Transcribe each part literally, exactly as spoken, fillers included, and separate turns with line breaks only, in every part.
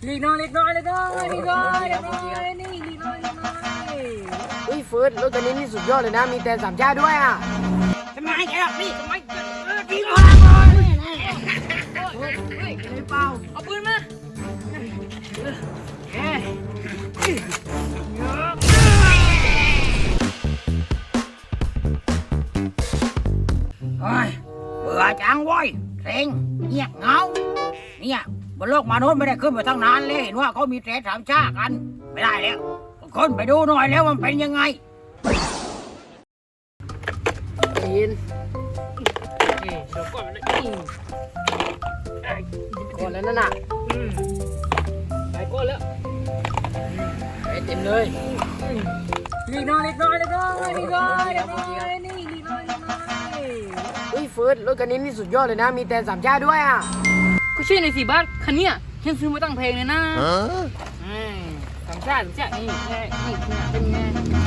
ลีกน้อยลีกน้อยลีกน้อยลีกน้อยลีกน้อยนี่ลีกน้อยลีกน้อย
เฮ้ยเฟิร์สรถคันนี้นี่สุดยอดเลยนะมีแต่สามชาติด้วยอ่ะ
ทำไมแกล่ะนี่ทำไมเออดีมากเลยเฮ้ยเฮ้ยเปล่าเอาปืนมาเฮ้ยเฮ้ยเบื่อจังเว้ยเซ็งเงียบเงาเนี่ยบนโลกมนุษย์ไม่ได้ขึ้นมาตั้งนานเลยเห็นว่าเขามีเทรสามชากันไม่ได้แล้วคนไปดูหน่อยแล้วมันเป็นยังไง
ได้ยิน
นี่เดี๋ยวก่อนนะ
ก่อนแล้วนั่นน่ะ
ไปก่อนแล้ว
ไปเต็มเลย
ลีกน้อยลีกน้อยลีกน้อยลีกน้อยลีกน้อยนี่ลีกน้อยลีกน้อย
เฮ้ยเฟิร์สรถคันนี้นี่สุดยอดเลยนะมีแต่สามชาติด้วยอ่ะ
ก็ใช่ในสี่บ้านคันเนี้ยฉันซื้อมาตั้งเพลงเลยนะสามชาติสามชาตินี่นี่เป็นไง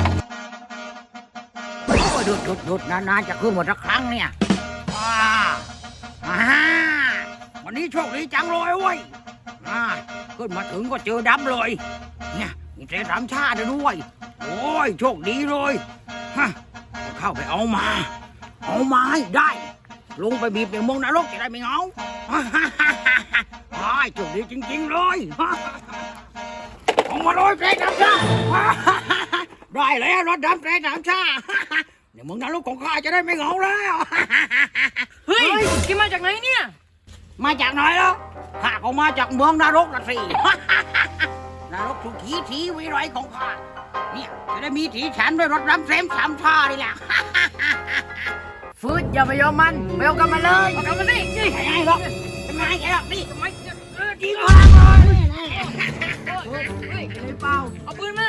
โอ้หยุดหยุดหยุดนานๆจะขึ้นหมดสักครั้งเนี่ยว้าอ่าวันนี้โชคดีจังเลยเว้ยอ่าขึ้นมาถึงก็เจอดำเลยเนี่ยมีเทสามชาติด้วยโอ้ยโชคดีเลยฮะเข้าไปเอามาเอามาให้ได้ลงไปบีบในเมืองนรกจะได้ไม่เหงาไอ้โชคดีจริงๆเลยเอามาเลยเทสามชาติได้แล้วรถดำเทสามชาติในเมืองนรกของข้าจะได้ไม่เหงาแล้วเฮ้ยแกมาจากไหนเนี่ยมาจากไหนแล้วข้าก็มาจากเมืองนรกนะสินรกทุกทีทีวิไรของข้าเนี่ยจะได้มีถีฉันด้วยรถดำเทสสามชาตินี่แหละ
เฟิร์สอย่าไปยอมมันไปเอากันมาเลย
เอากันมาสินี่ไงหรอกทำไมแกล่ะนี่ทำไมเออดีมากเลยเฮ้ยเฮ้ยเปล่าเอาปืนมา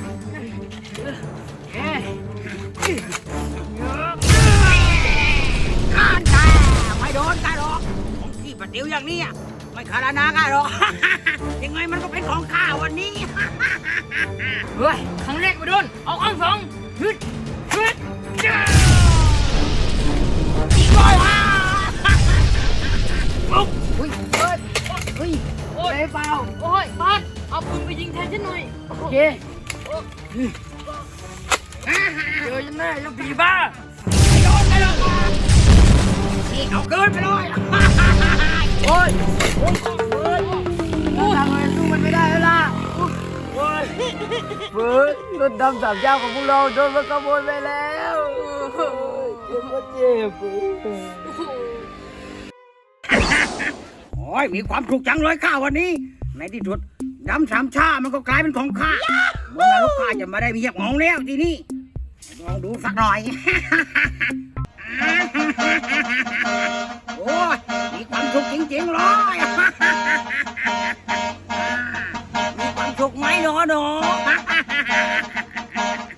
เฮ้ยการแกไม่โดนกันหรอกของที่ปะติ๋วอย่างนี้ไม่ขาดนากันหรอกยังไงมันก็เป็นของข้าวันนี้เฮ้ยครั้งแรกไม่โดนเอาครั้งสองฮึดฮึดอีกร้อยฮ่าปุ๊บ
เฮ้ยเฟิร์สเฮ้ยไปเปล่า
โอ้ยบาสเอาปืนไปยิงแทนฉันหน่อย
โอเคเจอฉันแน่ยังผีบ้า
ไม่โดนไม่โดนนี่เอาเกินไปเลย
โอ้ยโอ้ยเฟิร์สทำไมสู้มันไม่ได้แล้วล่ะโอ้ยเฟิร์สรถดำสามเจ้าของพวกเราโดนมันขโมยไปแล้วเจ็บก็เจ็บ
โอ้ยมีความสุขจังเลยข้าวันนี้ในที่สุดดำสามชามันก็กลายเป็นของข้าเมื่อลูกข้าจะมาได้มีเหยียบของแล้วทีนี้ลองดูสักหน่อยโอ้ยมีความสุขจริงๆเลยมีความสุขไหมหนอหนอ